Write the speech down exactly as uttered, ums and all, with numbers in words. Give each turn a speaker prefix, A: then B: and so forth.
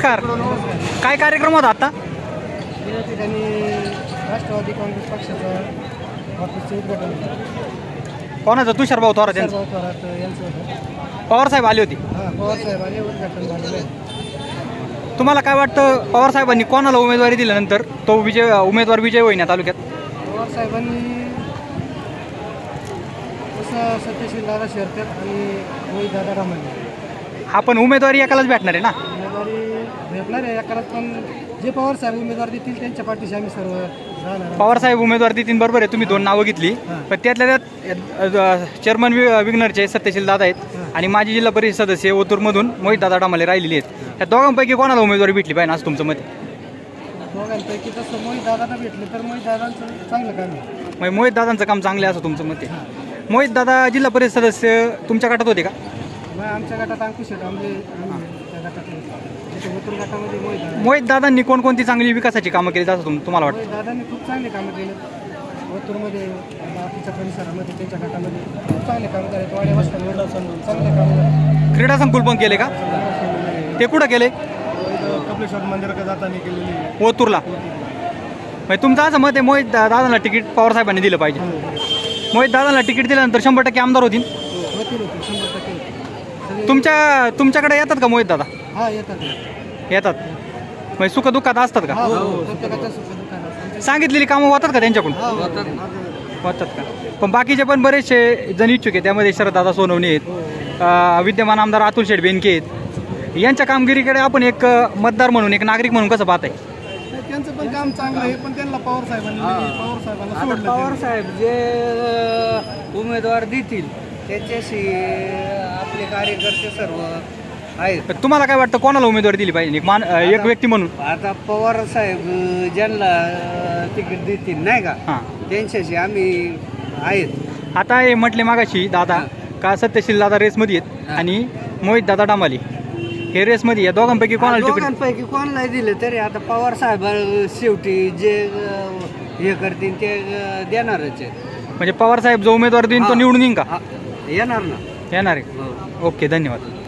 A: नमस्कार. काय कार्यक्रम होता आता?
B: या ठिकाणी राष्ट्रवादी काँग्रेस पक्षाचा ऑफिसचे उद्घाटन झालं.
A: कोणाचं? तुषार भाऊ थोरात यांचं.
B: सर्व थोरात यांचं होतं.
A: पवार साहेब आले होते.
B: हां, पवार साहेबांनी उद्घाटन झालेलं आहे.
A: तुम्हाला काय वाटतं, पवार साहेबांनी कोणाला उमेदवारी दिल्यानंतर तो विजय उमेदवार विजय होईल या तालुक्यात?
B: पवार साहेबांनी असं सत्यशील दादा शेरकर आणि मोहित दादा रामाने
A: हा पण उमेदवारी एकालाच भेटणार आहे ना.
B: उमेदवारी भेटणार आहे एकालाच, पण जे पवार साहेब उमेदवार देतील त्यांच्या पाठीशी आम्ही सर्व राहणार.
A: पवार साहेब उमेदवार देतील, बरोबर आहे. तुम्ही दोन नावं घेतली, पण त्यातल्या त्यात चेअरमन विग्नरचे सत्यशील दादा आहेत आणि माजी जिल्हा परिषद सदस्य ओतूरमधून मोहित दादा डामाले राहिलेले आहेत. त्या दोघांपैकी कोणाला उमेदवारी भेटली पाहिजे असं तुमचं मत?
B: दोघांपैकी तसं मोहित दादाला भेटले तर मोहित दादांचं चांगलं काम आहे.
A: मग मोहित दादांचं काम चांगलं आहे असं तुमचं मत आहे. मोहित दादा जिल्हा परिषद सदस्य तुमच्या गटात होते का?
B: मग आमच्या गटात अंकुश आहेत, आमचे आम्ही त्या गटात तिथे ओतूर गटामध्ये मोहित दादा.
A: मोहित दादांनी कोणकोणती चांगली विकासाची कामं केली असं तुम तुम्हाला वाटतं?
B: मोहित दादांनी खूप चांगले कामं केले. ओतूरमध्ये बाकीच्या परिसरामध्ये त्यांच्या गटामध्ये खूप चांगले काम करायचे. वाड्या वस्त्यांवर चांगले काम करायचे.
A: क्रीडा संकुल पण केले का? ते कुठं केले?
B: कपिलेश्वर मंदिराकडे जाताना केलेली
A: ओतूरला. म्हणजे तुमचं असं मत आहे मोहित दा- दादांना तिकीट पवार साहेबांनी दिलं पाहिजे. मोहित दादांना तिकीट दिल्यानंतर शंभर टक्के आमदार होतील.
B: होतील होतील शंभर टक्के.
A: तुमच्या तुमच्याकडे येतात का मोहित दादा?
B: हा येतात.
A: येतात. म्हणजे सुख दुःखात असतात का?
B: प्रत्येकाच्या सुखदुःखात
A: सांगितलेली कामं होतात का त्यांच्याकडून? होतात का? पण बाकीचे पण बरेचसे जण इच्छुक आहेत. त्यामध्ये शरददादा सोनवणे आहेत, अं, विद्यमान आमदार अतुल शेठ बेनके आहेत. यांच्या कामगिरीकडे आपण एक अं, मतदार म्हणून, एक नागरिक म्हणून कसं पाहताय?
B: त्यांचं पण काम चांगलं आहे, पण त्यांना पवार साहेबांनी पवार साहेबांना
C: आता
B: सोडलं.
C: पवार साहेब जे अ, उमेदवार देतील त्याच्याशी आपले कार्यकर्ते सर्व आहेत.
A: तर तुम्हाला काय वाटतं, कोणाला उमेदवारी दिली पाहिजे एक मान अं, एक व्यक्ती म्हणून?
C: आता पवार साहेब अ, ज्यांना अ, तिकीट देतील नाही का,
A: हां.
C: त्यांच्याशी आम्ही आहेत.
A: आता हे म्हटले मागाशी दादा का सत्यशील दादा रेसमध्ये आहेत आणि मोहित दादा डामाले हे रेसमध्ये, या दोघांपैकी कोणाला तिकीट?
C: दोघांपैकी कोणालाही दिले तरी आता पवार साहेब अ, शेवटी जे अ, हे करतील ते अ, देणारच आहेत.
A: म्हणजे पवार साहेब जो उमेदवार देईन तो
C: हां.
A: निवडून येईन का?
C: हा, येणार ना.
A: येणार आहे.
C: हो.
A: ओके, धन्यवाद.